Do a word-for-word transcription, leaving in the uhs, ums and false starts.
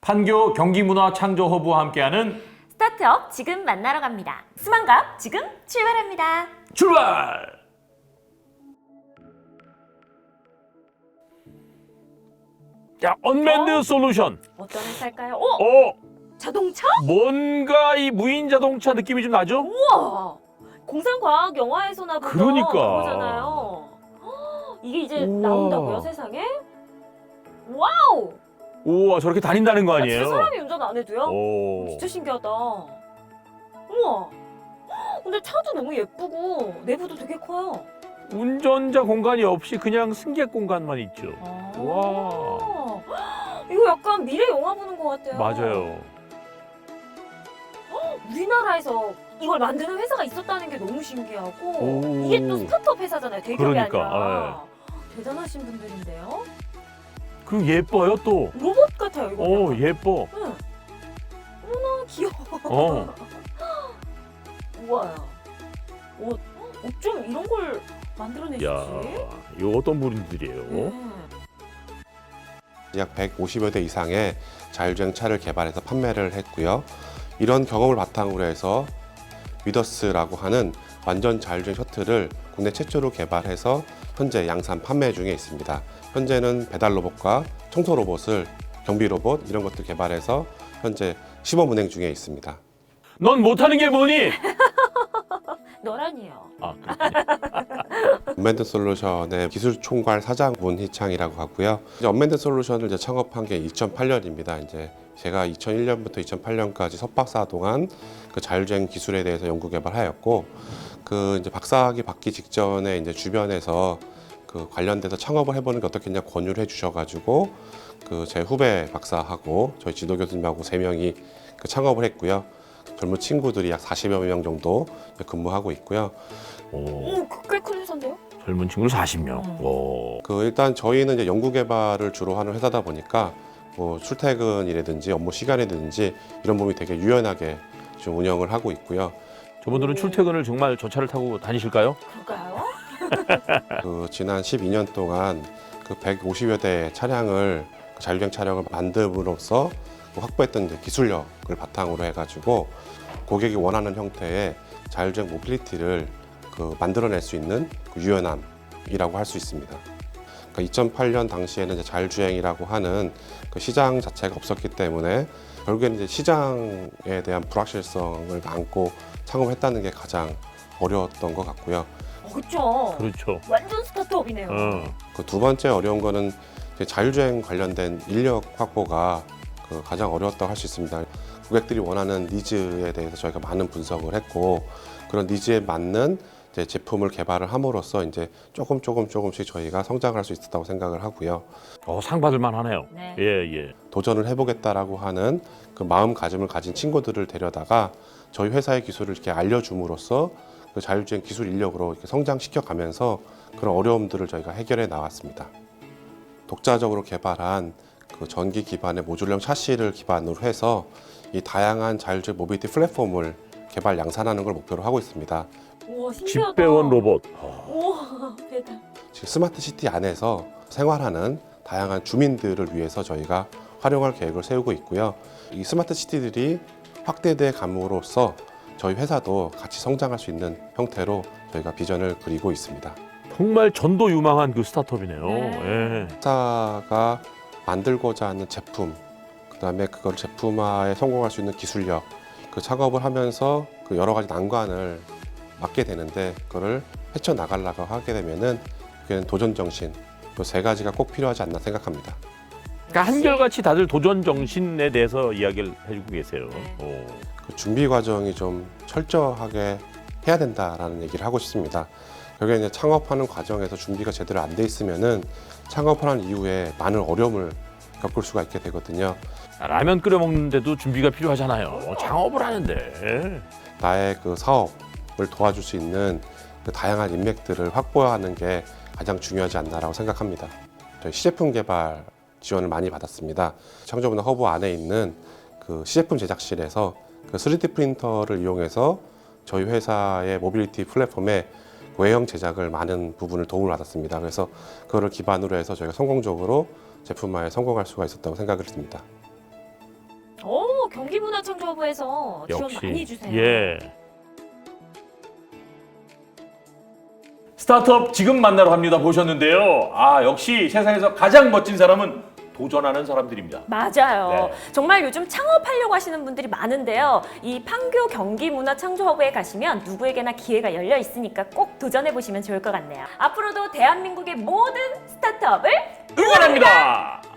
판교 경기문화창조허브와 함께하는 스타트업 지금 만나러 갑니다. 스만갑 지금 출발합니다. 출발! 자, 언맨드 어? 솔루션. 어떤 회사일까요? 어? 어, 자동차? 뭔가 이 무인 자동차 느낌이 좀 나죠? 우와! 공상과학 영화에서나 보던 그러니까. 그거잖아요. 헉, 이게 이제 우와. 나온다고요, 세상에? 와우! 우와, 저렇게 다닌다는 거 아, 아니에요? 진짜 사람이 운전 안 해도요? 오. 진짜 신기하다. 우와! 헉, 근데 차도 너무 예쁘고 내부도 되게 커요. 운전자 공간이 없이 그냥 승객 공간만 있죠. 아. 와. 이거 약간 미래 영화 보는 것 같아요. 맞아요. 우리나라에서 이걸 만드는 회사가 있었다는 게 너무 신기하고 오. 이게 또 스타트업 회사잖아요. 대기업이 그러니까, 아니라. 대단하신 분들인데요. 그리고 예뻐요 또. 로봇 같아요, 이거. 오, 약간. 예뻐. 응. 어머나 귀여워. 어. 우와. 옷, 옷 좀 이런 걸 만들어내시지? 야, 이거 어떤 분들이에요? 네. 약 백오십여 대 이상의 자율주행 차를 개발해서 판매를 했고요. 이런 경험을 바탕으로 해서 위더스라고 하는 완전 자율주행 셔틀을 국내 최초로 개발해서 현재 양산 판매 중에 있습니다. 현재는 배달 로봇과 청소 로봇을 경비 로봇 이런 것들 개발해서 현재 시범 운행 중에 있습니다. 넌 못하는 게 뭐니? 너라니요. 아, 그렇군요. 언맨드 솔루션의 기술 총괄 사장 문희창이라고 하고요. 이제 언맨드 솔루션을 이제 창업한 게 이천팔 년입니다. 이제 제가 이천일 년부터 이천팔 년까지 석박사 동안 그 자율주행 기술에 대해서 연구 개발하였고, 그 이제 박사학위 받기 직전에 이제 주변에서 그 관련돼서 창업을 해보는 게 어떻겠냐 권유를 해주셔가지고 그 제 후배 박사하고 저희 지도 교수님하고 세 명이 그 창업을 했고요. 젊은 친구들이 약 사십여 명 정도 근무하고 있고요. 오, 오, 꽤 큰 회사인데요? 젊은 친구 사십 명. 음. 오. 그 일단 저희는 이제 연구 개발을 주로 하는 회사다 보니까 뭐 출퇴근이라든지 업무 시간이라든지 이런 부분이 되게 유연하게 지금 운영을 하고 있고요. 저분들은 출퇴근을 정말 저 차를 타고 다니실까요? 그럴까요? 그 지난 십이 년 동안 그 백오십여 대 차량을 그 자율주행 차량을 만듦으로써 그 확보했던 이제 기술력을 바탕으로 해가지고 고객이 원하는 형태의 자율주행 모빌리티를 그 만들어낼 수 있는 그 유연함이라고 할 수 있습니다. 그러니까 이천팔 년 당시에는 이제 자율주행이라고 하는 그 시장 자체가 없었기 때문에 결국에는 이제 시장에 대한 불확실성을 안고 창업했다는 게 가장 어려웠던 것 같고요. 어, 그렇죠. 그렇죠. 완전 스타트업이네요. 어. 그 두 번째 어려운 거는 이제 자율주행 관련된 인력 확보가 그 가장 어려웠다고 할 수 있습니다. 고객들이 원하는 니즈에 대해서 저희가 많은 분석을 했고, 그런 니즈에 맞는 이제 제품을 개발을 함으로써 이제 조금 조금 조금씩 저희가 성장할 수 있었다고 생각을 하고요. 어, 상 받을 만하네요. 네. 예, 예. 도전을 해보겠다라고 하는 그 마음가짐을 가진 친구들을 데려다가 저희 회사의 기술을 이렇게 알려줌으로써 그 자율주행 기술 인력으로 이렇게 성장시켜 가면서 그런 어려움들을 저희가 해결해 나왔습니다. 독자적으로 개발한 그 전기 기반의 모듈형 샤시를 기반으로 해서 이 다양한 자율주행 모빌리티 플랫폼을 개발 양산하는 걸 목표로 하고 있습니다. 우와, 신기하다. 집배원 로봇. 우와, 대단. 지금 스마트 시티 안에서 생활하는 다양한 주민들을 위해서 저희가 활용할 계획을 세우고 있고요. 이 스마트 시티들이 확대돼 감으로써 저희 회사도 같이 성장할 수 있는 형태로 저희가 비전을 그리고 있습니다. 정말 전도 유망한 그 스타트업이네요. 네. 예. 회사가 만들고자 하는 제품, 그다음에 그걸 제품화에 성공할 수 있는 기술력, 그 작업을 하면서 그 여러 가지 난관을 맞게 되는데 그거를 헤쳐 나가려고 하게 되면은 그게 도전 정신, 이 세 가지가 꼭 필요하지 않나 생각합니다. 그러니까 한결같이 다들 도전 정신에 대해서 이야기를 해주고 계세요. 네. 오. 그 준비 과정이 좀 철저하게 해야 된다라는 얘기를 하고 싶습니다. 결국에 이제 창업하는 과정에서 준비가 제대로 안 돼 있으면은 창업하는 이후에 많은 어려움을 겪을 수가 있게 되거든요. 라면 끓여 먹는데도 준비가 필요하잖아요. 창업을 하는데. 나의 그 사업을 도와줄 수 있는 그 다양한 인맥들을 확보하는 게 가장 중요하지 않나라고 생각합니다. 저희 시제품 개발 지원을 많이 받았습니다. 창조문화 허브 안에 있는 그 시제품 제작실에서 그 쓰리디 프린터를 이용해서 저희 회사의 모빌리티 플랫폼에 외형 제작을 많은 부분을 도움을 받았습니다. 그래서 그거를 기반으로 해서 저희가 성공적으로 제품화에 성공할 수가 있었다고 생각을 했습니다. 오, 경기문화창조부에서 지원 역시 많이 해주세요. 예. 스타트업 지금 만나러 갑니다 보셨는데요. 아 역시 세상에서 가장 멋진 사람은 도전하는 사람들입니다. 맞아요. 네. 정말 요즘 창업하려고 하시는 분들이 많은데요. 이 판교 경기문화창조허브에 가시면 누구에게나 기회가 열려 있으니까 꼭 도전해 보시면 좋을 것 같네요. 앞으로도 대한민국의 모든 스타트업을 응원합니다.